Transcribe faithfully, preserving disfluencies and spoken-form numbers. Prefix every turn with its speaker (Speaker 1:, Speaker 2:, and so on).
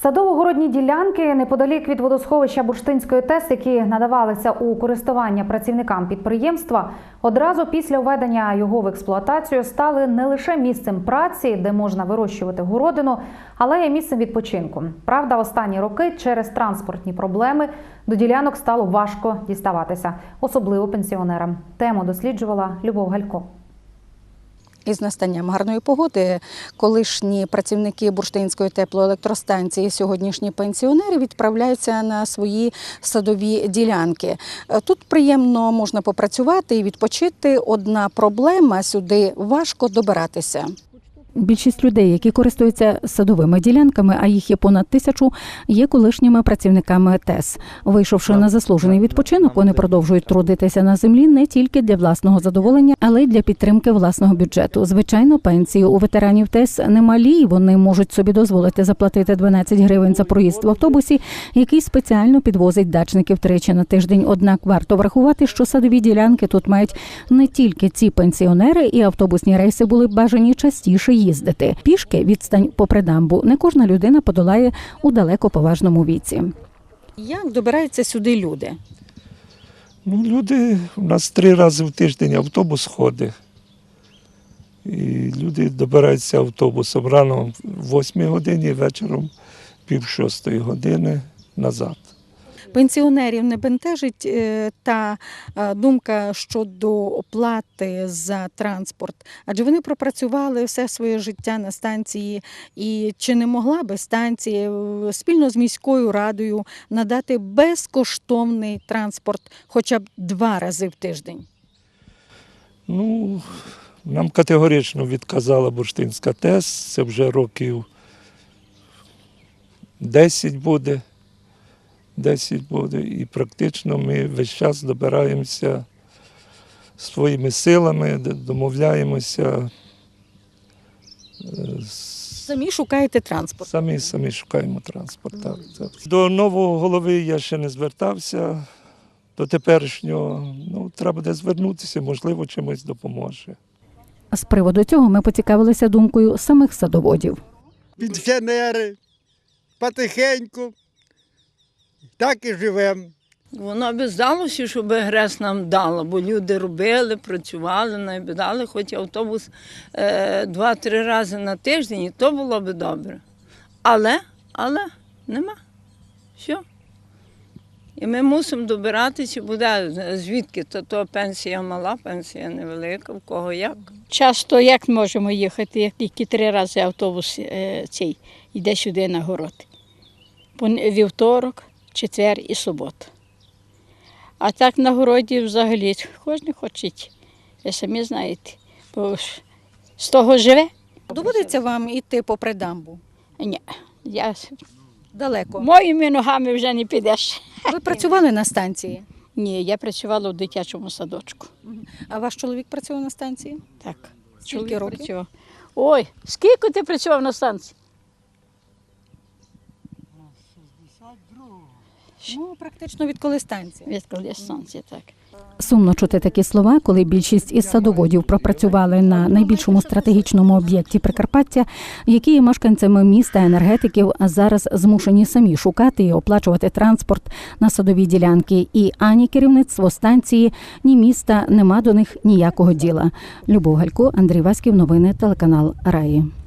Speaker 1: Садово-городні ділянки неподалік від водосховища Бурштинської ТЕС, які надавалися у користування працівникам підприємства, одразу після введення його в експлуатацію стали не лише місцем праці, де можна вирощувати городину, але й місцем відпочинку. Правда, останні роки через транспортні проблеми до ділянок стало важко діставатися, особливо пенсіонерам. Тему досліджувала Любов Галько.
Speaker 2: Із настанням гарної погоди колишні працівники Бурштинської теплоелектростанції, сьогоднішні пенсіонери, відправляються на свої садові ділянки. Тут приємно можна попрацювати і відпочити. Одна проблема – сюди важко добиратися. Більшість людей, які користуються садовими ділянками, а їх є понад тисячу, є колишніми працівниками ТЕС. Вийшовши на заслужений відпочинок, вони продовжують трудитися на землі не тільки для власного задоволення, але й для підтримки власного бюджету. Звичайно, пенсії у ветеранів ТЕС немалі, і вони можуть собі дозволити заплатити дванадцять гривень за проїзд в автобусі, який спеціально підвозить дачників тричі на тиждень. Однак варто врахувати, що садові ділянки тут мають не тільки ці пенсіонери, і автобусні рейси були б бажані частіше їздити. Пішки відстань попри дамбу не кожна людина подолає у далеко поважному віці. Як добираються сюди люди?
Speaker 3: Ну, люди, у нас три рази в тиждень автобус ходить. І люди добираються автобусом рано в восьмій годині, вечором пів шостої години назад.
Speaker 2: Пенсіонерів не бентежить та думка щодо оплати за транспорт, адже вони пропрацювали все своє життя на станції, і чи не могла би станція спільно з міською радою надати безкоштовний транспорт хоча б два рази в тиждень?
Speaker 3: Ну, нам категорично відказала Бурштинська ТЕС, це вже років десять буде. десять буде, і практично ми весь час добираємося своїми силами, домовляємося.
Speaker 2: Самі шукаєте транспорт?
Speaker 3: Самі, самі шукаємо транспорт, так, так. До нового голови я ще не звертався, до теперішнього, ну, треба буде звернутися, можливо, чимось допоможе.
Speaker 2: З приводу цього ми поцікавилися думкою самих садоводів.
Speaker 4: Пенсіонери, потихеньку. Так і живемо.
Speaker 5: Воно би здалося, щоб ГРЕС нам дало, бо люди робили, працювали, нам би дали, хоч автобус е, два-три рази на тиждень, і то було б добре. Але, але нема. Все. І ми мусимо добиратися, буде звідки, то, то пенсія мала, пенсія невелика, в кого як.
Speaker 6: Часто як можемо їхати, як тільки три рази автобус е, цей йде сюди на город. Вівторок, четвер і субота. А так на городі взагалі кожен хоче, ви самі знаєте, бо з того живе.
Speaker 2: Доводиться вам йти попри дамбу?
Speaker 6: Ні, я
Speaker 2: Далеко.
Speaker 6: моїми ногами вже не підеш.
Speaker 2: Ви працювали на станції?
Speaker 6: Ні, я працювала у дитячому садочку.
Speaker 2: А ваш чоловік працював на станції?
Speaker 6: Так.
Speaker 2: Скільки
Speaker 6: Чоловік
Speaker 2: років?
Speaker 6: працював. Ой, скільки ти працював на станції?
Speaker 2: Ну, практично відколи станція.
Speaker 6: Відколи станції, так.
Speaker 2: Сумно чути такі слова, коли більшість із садоводів пропрацювали на найбільшому стратегічному об'єкті Прикарпаття, які є мешканцями міста, енергетиків, а зараз змушені самі шукати і оплачувати транспорт на садові ділянки. І ані керівництво станції, ні міста нема до них ніякого діла. Любов Галько, Андрій Васьків, новини, телеканал Раї.